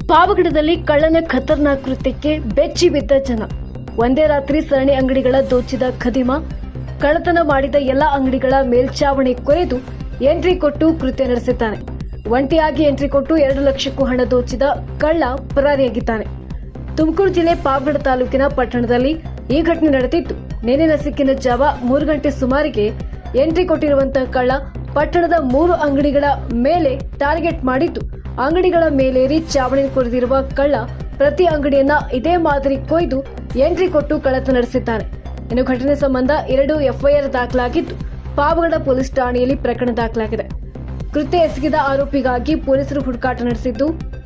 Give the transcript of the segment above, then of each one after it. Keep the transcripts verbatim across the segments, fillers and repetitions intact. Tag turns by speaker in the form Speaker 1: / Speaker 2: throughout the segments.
Speaker 1: ಪಾವಗಡದಲ್ಲಿ ಕಳ್ಳನ ಖತರ್ನಾಕ್ ಕೃತ್ಯಕ್ಕೆ ಬೆಚ್ಚಿ ಬಿದ್ದ ಜನ. ಒಂದೇ ರಾತ್ರಿ ಸರಣಿ ಅಂಗಡಿಗಳ ದೋಚಿದ ಖದೀಮ ಕಳ್ಳತನ ಮಾಡಿದ ಎಲ್ಲ ಅಂಗಡಿಗಳ ಮೇಲ್ಚಾವಣಿ ಕೊರೆದು ಎಂಟ್ರಿ ಕೊಟ್ಟು ಕೃತ್ಯ ನಡೆಸಿದ್ದಾನೆ. ಒಂಟಿಯಾಗಿ ಎಂಟ್ರಿ ಕೊಟ್ಟು ಎರಡು ಲಕ್ಷಕ್ಕೂ ಹಣ ದೋಚಿದ ಕಳ್ಳ ಪರಾರಿಯಾಗಿದ್ದಾನೆ. ತುಮಕೂರು ಜಿಲ್ಲೆ ಪಾವಗಡ ತಾಲೂಕಿನ ಪಟ್ಟಣದಲ್ಲಿ ಈ ಘಟನೆ ನಡೆದಿದ್ದು, ನಿನ್ನೆ ನಸುಕಿನ ಜಾವ ಮೂರು ಗಂಟೆ ಸುಮಾರಿಗೆ ಎಂಟ್ರಿ ಕೊಟ್ಟಿರುವಂತಹ ಕಳ್ಳ ಪಟ್ಟಣದ ಮೂರು ಅಂಗಡಿಗಳ ಮೇಲೆ ಟಾರ್ಗೆಟ್ ಮಾಡಿದ್ದು, ಅಂಗಡಿಗಳ ಮೇಲೇರಿ ಚಾವಣಿ ಕೊರೆದಿರುವ ಕಳ್ಳ ಪ್ರತಿ ಅಂಗಡಿಯನ್ನ ಇದೇ ಮಾದರಿ ಕೊಯ್ದು ಎಂಟ್ರಿ ಕೊಟ್ಟು ಕಳ್ಳತನ ನಡೆಸಿದ್ದಾನೆ. ಇನ್ನು ಘಟನೆ ಸಂಬಂಧ ಎರಡು ಎಫ್ಐಆರ್ ದಾಖಲಾಗಿದ್ದು, ಪಾವಗಡ ಪೊಲೀಸ್ ಠಾಣೆಯಲ್ಲಿ ಪ್ರಕರಣ ದಾಖಲಾಗಿದೆ. ಕೃತ್ಯ ಎಸಗಿದ ಆರೋಪಿಗಾಗಿ ಪೊಲೀಸರು ಹುಡುಕಾಟ ನಡೆಸಿದ್ದು,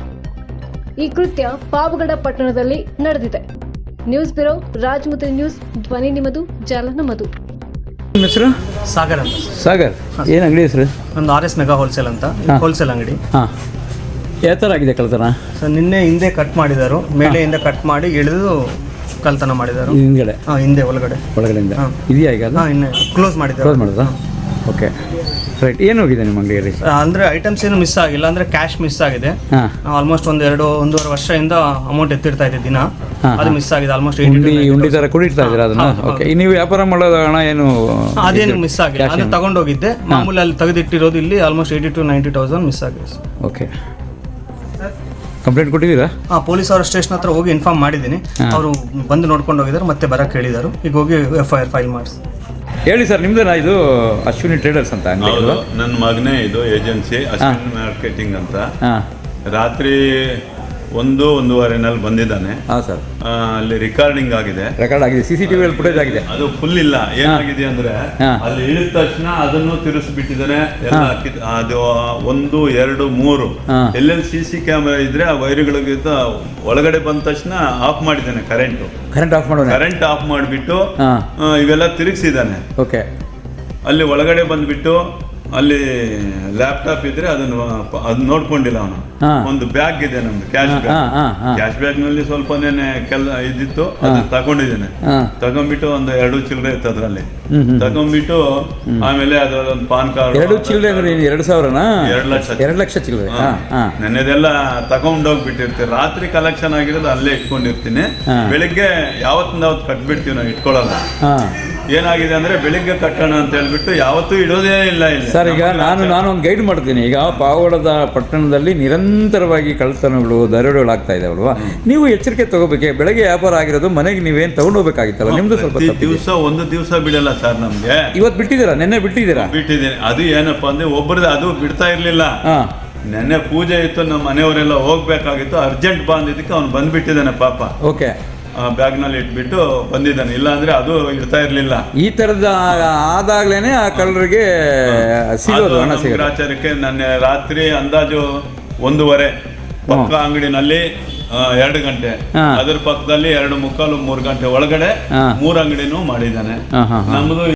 Speaker 1: ಈ ಕೃತ್ಯ ಪಾವಗಡ ಪಟ್ಟಣದಲ್ಲಿ ನಡೆದಿದೆ. ನ್ಯೂಸ್ ಬ್ಯೂರೋ, ರಾಜಮುದ್ರಿ ನ್ಯೂಸ್, ಧ್ವನಿ ನಿಮ್ಮದು, ಜಾಲ ನಮ್ಮದು.
Speaker 2: ನಿಮ್ಮ ಹೆಸರು?
Speaker 3: ಸಾಗರ್ ಅಂತ.
Speaker 2: ಸಾಗರ್, ಏನು ಅಂಗಡಿ ಹೆಸರು?
Speaker 3: ಒಂದು ಆರ್ ಎಸ್ ಮೆಗಾ ಹೋಲ್ಸೇಲ್ ಅಂತ ಹೋಲ್ಸೇಲ್ ಅಂಗಡಿ.
Speaker 2: ಹಾಂ, ಯಾವ ಥರ ಆಗಿದೆ ಕಳ್ತನ?
Speaker 3: ಸೊ ನಿನ್ನೆ ಹಿಂದೆ ಕಟ್ ಮಾಡಿದರು, ಮೇಲೆಯಿಂದ ಕಟ್ ಮಾಡಿ ಇಳಿದು ಕಳ್ತನ ಮಾಡಿದರು.
Speaker 2: ಹಿಂದ್ಗಡೆ?
Speaker 3: ಹಾಂ, ಹಿಂದೆ ಒಳಗಡೆ
Speaker 2: ಒಳಗಡೆಯಿಂದ ಇದೆಯಾ ಈಗ?
Speaker 3: ಹಾಂ, ಇನ್ನೇ ಕ್ಲೋಸ್ ಮಾಡಿದ್ದಾರೆ.
Speaker 2: ಕ್ಲೋಸ್ ಮಾಡೋದಾ? Okay, right. ಏನು ಹೋಗಿದೆ ನಿಮ್ಮ ಅಂಗಡಿಯಲ್ಲಿ?
Speaker 3: ಅಂದರೆ ಐಟಮ್ಸ್ ಏನು ಮಿಸ್ ಆಗಿಲ್ಲ, ಅಂದರೆ ಕ್ಯಾಶ್ ಮಿಸ್ ಆಗಿದೆ.
Speaker 2: ಹಾಂ,
Speaker 3: ಆಲ್ಮೋಸ್ಟ್ ಒಂದು ಎರಡು ಒಂದೂವರೆ ವರ್ಷದಿಂದ ಅಮೌಂಟ್ ಎತ್ತಿರ್ತಾ ಇದೆ ದಿನ, ಅದು ಮಿಸ್ ಆಗಿದೆ. ಆಲ್ಮೋಸ್ಟ್
Speaker 2: ಉಂಡಿ ಉಂಡಿ ಥರ ಕುಡಿತಾ ಇದ್ದೀರಾ ಅದನ್ನ? ಓಕೆ, ನೀವು ವ್ಯಾಪಾರ ಮಾಡೋದು ಹಣ ಏನು?
Speaker 3: ಅದೇನು ಮಿಸ್ ಆಗಿದೆ, ಅದು ತಗೊಂಡೋಗಿದ್ದೆ. ಮಾಮೂಲಿ ಅಲ್ಲಿ ತೆಗೆದಿಟ್ಟಿರೋದು ಇಲ್ಲಿ almost eighty to ninety thousand miss ಆಗಿದೆ.
Speaker 2: ಓಕೆ, ಕಂಪ್ಲೇಂಟ್ ಕೊಟ್ಟಿದ್ದೀರಾ?
Speaker 3: ಹಾಂ, ಪೊಲೀಸ್ ಅವರ ಸ್ಟೇಷನ್ ಹತ್ರ ಹೋಗಿ ಇನ್ಫಾರ್ಮ್ ಮಾಡಿದ್ದೀನಿ. ಅವರು ಬಂದು ನೋಡ್ಕೊಂಡು ಹೋಗಿದ್ದಾರೆ, ಮತ್ತೆ ಬರಕ್ಕೆ ಹೇಳಿದರು. ಈಗ ಹೋಗಿ ಎಫ್ ಐ ಆರ್ ಫೈಲ್ ಮಾಡಿಸಿ.
Speaker 2: ಹೇಳಿ ಸರ್, ನಿಮ್ದೇನಾ ಇದು? ಅಶ್ವಿನಿ ಟ್ರೇಡರ್ಸ್ ಅಂತ ಅಂಗಡಿ?
Speaker 4: ಹೌದು, ನನ್ನ ಮಗನೇ ಇದು ಏಜೆನ್ಸಿ ಅಶ್ವಿನಿ ಮಾರ್ಕೆಟಿಂಗ್ ಅಂತ.
Speaker 2: ಹಾಂ,
Speaker 4: ರಾತ್ರಿ ಒಂದು ಒಂದೂವರೆನಲ್ಲಿ ಬಂದಿದ್ದಾನೆ.
Speaker 2: ಹಾಂ ಸರ್,
Speaker 4: ಅಲ್ಲಿ ರಿಕಾರ್ಡಿಂಗ್ ಆಗಿದೆ,
Speaker 2: ರೆಕಾರ್ಡ್ ಆಗಿದೆ, ಸಿ ಸಿ ಟಿ ವಿಯಲ್ಲಿ ಫುಟೇಜ್ ಆಗಿದೆ.
Speaker 4: ಅದು ಫುಲ್ ಇಲ್ಲ. ಏನಾಗಿದೆ ಅಂದ್ರೆ ಅಲ್ಲಿ ಇಳಿದ ತಕ್ಷಣ ಅದನ್ನು ತಿರುಗಿಸ್ಬಿಟ್ಟಿದ್ದಾನೆ ಎಲ್ಲ. ಅದು ಒಂದು ಎರಡು ಮೂರು ಎಲ್ಲೆಲ್ಲಿ ಸಿ ಸಿ ಕ್ಯಾಮೆರಾ ಇದ್ರೆ ಆ ವೈರ್ಗಳಿಗೆ ಒಳಗಡೆ ಬಂದ ತಕ್ಷಣ ಆಫ್ ಮಾಡಿದ್ದಾನೆ. ಕರೆಂಟ್
Speaker 2: ಕರೆಂಟ್ ಆಫ್ ಮಾಡೋಣ,
Speaker 4: ಕರೆಂಟ್ ಆಫ್ ಮಾಡಿಬಿಟ್ಟು ಇವೆಲ್ಲ ತಿರುಗಿಸಿದ್ದಾನೆ.
Speaker 2: ಓಕೆ,
Speaker 4: ಅಲ್ಲಿ ಒಳಗಡೆ ಬಂದ್ಬಿಟ್ಟು ಅಲ್ಲಿ ಲ್ಯಾಪ್ಟಾಪ್ ಇದ್ರೆ ಅದನ್ನು ಅದನ್ನ ನೋಡ್ಕೊಂಡಿಲ್ಲ ಅವನು. ಒಂದು ಬ್ಯಾಗ್ ಇದೆ ನಮ್ದು, ಕ್ಯಾಶ್ ಬ್ಯಾಗ್. ಕ್ಯಾಶ್ ಬ್ಯಾಗ್ ನಲ್ಲಿ ಸ್ವಲ್ಪನೇ ಕೆಲ ಇದ್ದಿತ್ತು, ಅದನ್ನ ತಗೊಂಡಿದ್ದೇನೆ. ತಗೊಂಡ್ಬಿಟ್ಟು ಒಂದು ಎರಡು ಚಿಲ್ಲರೆ ಇತ್ತು ಅದ್ರಲ್ಲಿ. ತಗೊಂಡ್ಬಿಟ್ಟು ಆಮೇಲೆ ಅದರೊಂದು ಪಾನ್ ಕಾರ್ಡ್.
Speaker 2: ಎರಡು ಚಿಲ್ಲರೆ? ಎರಡು ಸಾವಿರನಾ?
Speaker 4: ಎರಡು ಲಕ್ಷ
Speaker 2: ಎರಡು ಲಕ್ಷ ಚಿಲ್ಲರೆ.
Speaker 4: ನೆನ್ನೆದೆಲ್ಲ ತಗೊಂಡೋಗ್ಬಿಟ್ಟಿರ್ತೀವಿ. ರಾತ್ರಿ ಕಲೆಕ್ಷನ್ ಆಗಿರೋದು ಅಲ್ಲೇ ಇಟ್ಕೊಂಡಿರ್ತೀನಿ. ಬೆಳಿಗ್ಗೆ ಯಾವತ್ತಿಂದ ಅವತ್ತು ಕಟ್ಬಿಡ್ತೀವಿ, ನಾವು ಇಟ್ಕೊಳ್ಳಲ್ಲ. ಏನಾಗಿದೆ ಅಂದ್ರೆ ಬೆಳಿಗ್ಗೆ ಕಟ್ಟೋಣ ಅಂತ ಹೇಳ್ಬಿಟ್ಟು ಯಾವತ್ತೂ ಇಡೋದೇ ಇಲ್ಲ ಇಲ್ಲಿ.
Speaker 2: ಸರ್, ಈಗ ನಾನು ನಾನು ಒಂದು ಗೈಡ್ ಮಾಡ್ತೀನಿ. ಈಗ ಪಾವಗಡದ ಪಟ್ಟಣದಲ್ಲಿ ನಿರಂತರವಾಗಿ ಕಳ್ಳತನಗಳು, ದರೋಡೆಗಳು ಆಗ್ತಾ ಇದಾವಲ್ವಾ? ನೀವು ಎಚ್ಚರಿಕೆ ತಗೋಬೇಕೆ. ಬೆಳಗ್ಗೆ ವ್ಯಾಪಾರ ಆಗಿರೋದು, ಮನೆಗೆ ನೀವೇನು ತಗೊಂಡೋಗ್ಬೇಕಾಗಿತ್ತಲ್ಲ, ನಿಮ್ದು ಸ್ವಲ್ಪ
Speaker 4: ದಿವಸ ಒಂದು ದಿವಸ ಬಿಡಲ್ಲ ಸರ್ ನಮ್ಗೆ.
Speaker 2: ಇವತ್ತು ಬಿಟ್ಟಿದ್ದೀರಾ? ನೆನ್ನೆ ಬಿಟ್ಟಿದ್ದೀರಾ?
Speaker 4: ಬಿಟ್ಟಿದ್ದೀನಿ. ಅದು ಏನಪ್ಪಾ ಅಂದ್ರೆ ಒಬ್ಬರದ್ದು ಅದು ಬಿಡ್ತಾ ಇರ್ಲಿಲ್ಲ. ನೆನ್ನೆ ಪೂಜೆ ಇತ್ತು, ನಮ್ಮ ಮನೆಯವರೆಲ್ಲ ಹೋಗ್ಬೇಕಾಗಿತ್ತು. ಅರ್ಜೆಂಟ್ ಬಂದಿದ್ದಕ್ಕೆ ಅವ್ನು ಬಂದ್ಬಿಟ್ಟಿದ್ದಾನೆ ಪಾಪ.
Speaker 2: ಓಕೆ,
Speaker 4: ಬ್ಯಾಗ್ ನಲ್ಲಿ ಇಟ್ಬಿಟ್ಟು ಬಂದಿದ್ದಾನೆ. ಇಲ್ಲ ಅಂದ್ರೆ ಅದು ಇಡ್ತಾ ಇರ್ಲಿಲ್ಲ.
Speaker 2: ಈ ತರದ ಆದಾಗ್ಲೇನೆ ಆ ಕಳ್ಳರಿಗೆ ಸಿಗೋದು, ಹಣ ಸಿಗೋದು.
Speaker 4: ಆಚಾರಕ್ಕೆ ನನ್ನ ರಾತ್ರಿ ಅಂದಾಜು ಒಂದೂವರೆ ಪಕ್ಕ ಅಂಗಡಿನಲ್ಲಿ ಎರಡು ಗಂಟೆ, ಅದರ ಪಕ್ಕದಲ್ಲಿ ಎರಡು ಮುಕ್ಕಾಲು ಮೂರು ಗಂಟೆ ಒಳಗಡೆ ಮೂರು ಅಂಗಡಿನೂ ಮಾಡಿದ್ದಾನೆ. ನಮ್ದು